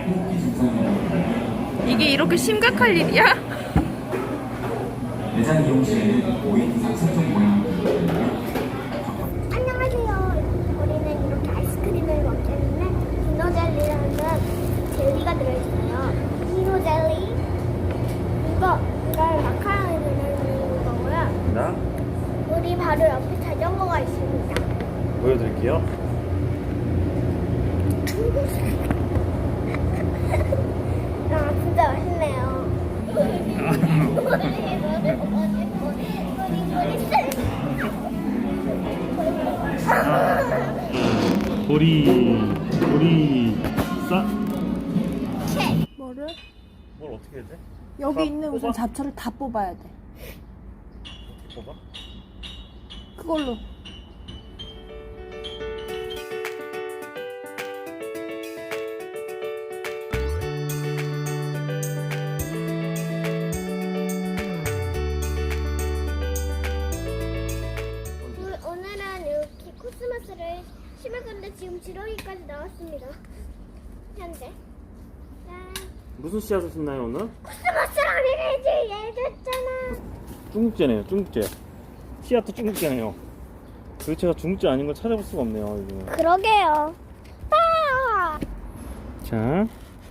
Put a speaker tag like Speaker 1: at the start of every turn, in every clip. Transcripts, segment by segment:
Speaker 1: 이게 이렇게 심각할 일이야?
Speaker 2: 매장 이용 시에는 5인 이상 생존 모양을
Speaker 3: 안녕하세요. 우리는 이렇게 아이스크림을 먹기 때문에 디노젤리라는 젤리가 들어있어요. 디노젤리. 이걸 마카롱에 들어있는 거고요.
Speaker 4: 나
Speaker 3: 우리 바로 옆에 자전거가 있습니다.
Speaker 4: 보여드릴게요.
Speaker 3: 아, 진짜 맛있네요.
Speaker 4: 보리 싸?
Speaker 1: 뭐를?
Speaker 4: 뭘 어떻게 해야 돼?
Speaker 1: 여기
Speaker 4: 다
Speaker 1: 있는 우선
Speaker 4: 뽑아?
Speaker 1: 잡초를 다 뽑아야 돼.
Speaker 4: 뽑아?
Speaker 1: 그걸로.
Speaker 3: 오늘은 이렇게 코스모스를 심을 건데 지금 지렁이까지 나왔습니다. 현재. 짠.
Speaker 4: 무슨 씨앗을 심나요 오늘?
Speaker 3: 코스모스랑 얘기했잖아.
Speaker 4: 중국제네요. 중국제. 씨앗도 중국제네요. 도대체가 중국제 아닌 걸 찾아볼 수가 없네요. 요즘.
Speaker 3: 그러게요. 빠!
Speaker 4: 자,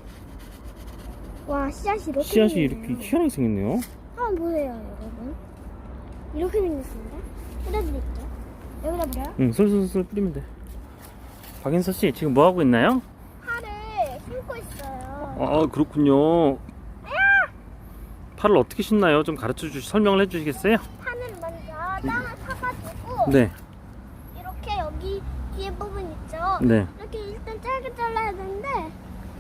Speaker 3: 와, 씨앗이 이렇게
Speaker 4: 씨앗이
Speaker 3: 생겼네요.
Speaker 4: 이렇게 희한하게 생겼네요.
Speaker 3: 한번 보세요, 여러분. 이렇게 생겼습니다. 뿌려드릴게요. 여기다 뿌려요?
Speaker 4: 응, 솔솔솔 뿌리면 돼. 박인서 씨 지금 뭐 하고 있나요?
Speaker 3: 파를 심고 있어요.
Speaker 4: 아, 그렇군요. 팔을 어떻게 심나요? 좀 설명을 해주시겠어요?
Speaker 3: 파는 먼저 땅을 파가지고
Speaker 4: 네,
Speaker 3: 이렇게 여기 뒤에 부분 있죠?
Speaker 4: 네.
Speaker 3: 이렇게 일단 짧게 잘라야 되는데 한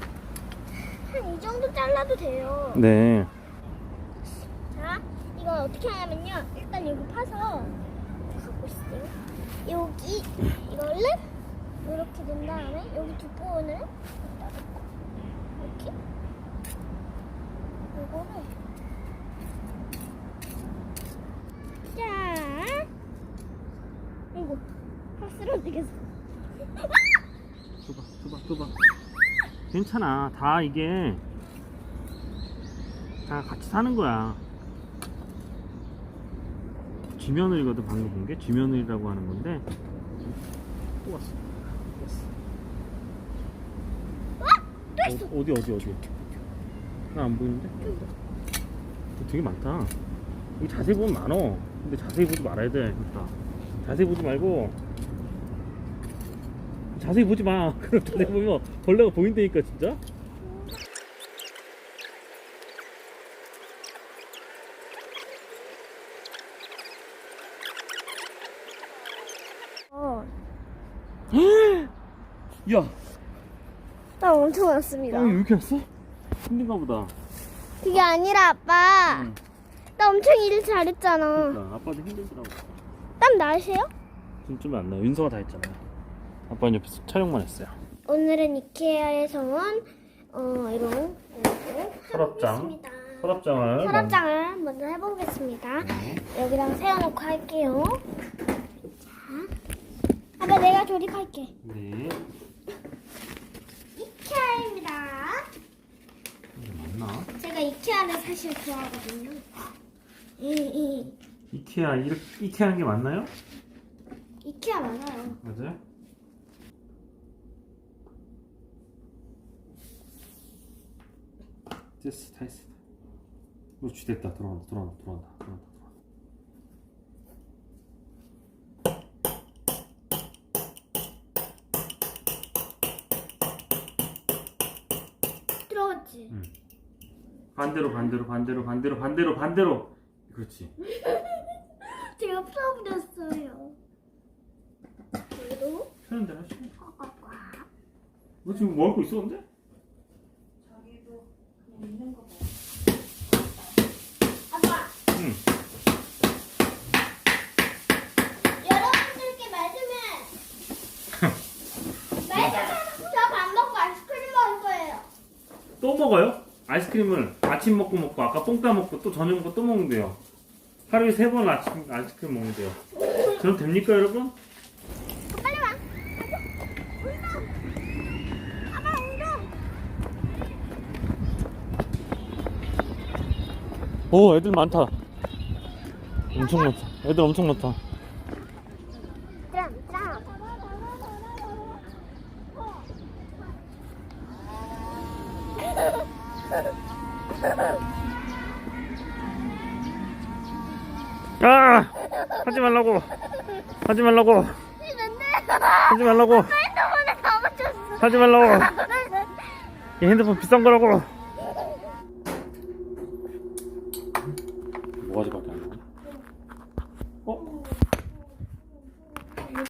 Speaker 3: 이 정도 잘라도 돼요.
Speaker 4: 네.
Speaker 3: 자, 이거 어떻게 하냐면요. 일단 여기 파서 가고 있어요. 여기 이거를 이렇게 된 다음에 여기 두 부분을 여기다 놓고 이렇게 이거를 자, 이거 파 쓰러지겠어.
Speaker 4: 줘봐. 괜찮아. 다 이게 다 같이 사는 거야. 쥐며느리거든. 방금 본 게 쥐며느리라고 하는 건데. 또 왔어.
Speaker 3: 또 있어.
Speaker 4: 어디? 나 안 보이는데? 되게 많다. 여기 자세히 보면 많어. 근데 자세히 보지 말아야 돼. 그러니까. 자세히 보지 말고. 자세히 보지 마. 그럼 자세히 보면 벌레가 보인다니까 진짜. 야,
Speaker 3: 나 엄청 많습니다.
Speaker 4: 왜 이렇게 왔어? 힘든가 보다.
Speaker 3: 그게 아니라 아빠.
Speaker 4: 응.
Speaker 3: 나 엄청 일 잘했잖아.
Speaker 4: 그러니까 아빠도 힘들더라고.
Speaker 3: 땀 나으세요?
Speaker 4: 좀 안 나. 윤서가 다 했잖아. 아빠는 옆에서 촬영만 했어요.
Speaker 3: 오늘은 이케아에서 온 이런
Speaker 4: 서랍장. 서랍장을.
Speaker 3: 서랍장을 먼저 해보겠습니다. 여기다가 세워놓고 할게요. 자, 아빠 내가 조립할게.
Speaker 4: 네.
Speaker 3: 이케아입니다.
Speaker 4: 이게 맞나?
Speaker 3: 제가 이케아를 사실 좋아하거든요.
Speaker 4: 이케아 이렇게 하는 게 맞나요?
Speaker 3: 이케아 맞아요.
Speaker 4: 맞아요? 됐어, 다 했어. 그렇지, 됐다. 돌아간다.
Speaker 3: 들어갔지?
Speaker 4: 응. 반대로. 그렇지.
Speaker 3: 제가 풀어버렸어요. 그리고
Speaker 4: 편한 대로 하시고.
Speaker 3: 꽉꽉꽉.
Speaker 4: 너 지금 뭐 하고 있어, 근데?
Speaker 3: 아빠.
Speaker 4: 응.
Speaker 3: 여러분들께 말씀은 저 밥 먹고 아이스크림 먹을 거예요.
Speaker 4: 또 먹어요? 아이스크림을 아침 먹고 아까 뽕 따먹고 또 저녁 먹고 또 먹는데요. 하루에 3번 아이스크림 먹는데요. 저는 됩니까, 여러분?
Speaker 3: 빨리 와. 운동. 아빠 운동.
Speaker 4: 오, 애들 많다. 엄청 많다. 애들 엄청 많다.
Speaker 3: 짱, 짱.
Speaker 4: 아! 하지 말라고. 하지 말라고. 하지 말라고.
Speaker 3: 핸드폰에 다 묻혔어.
Speaker 4: 하지 말라고. 이 핸드폰 비싼 거라고.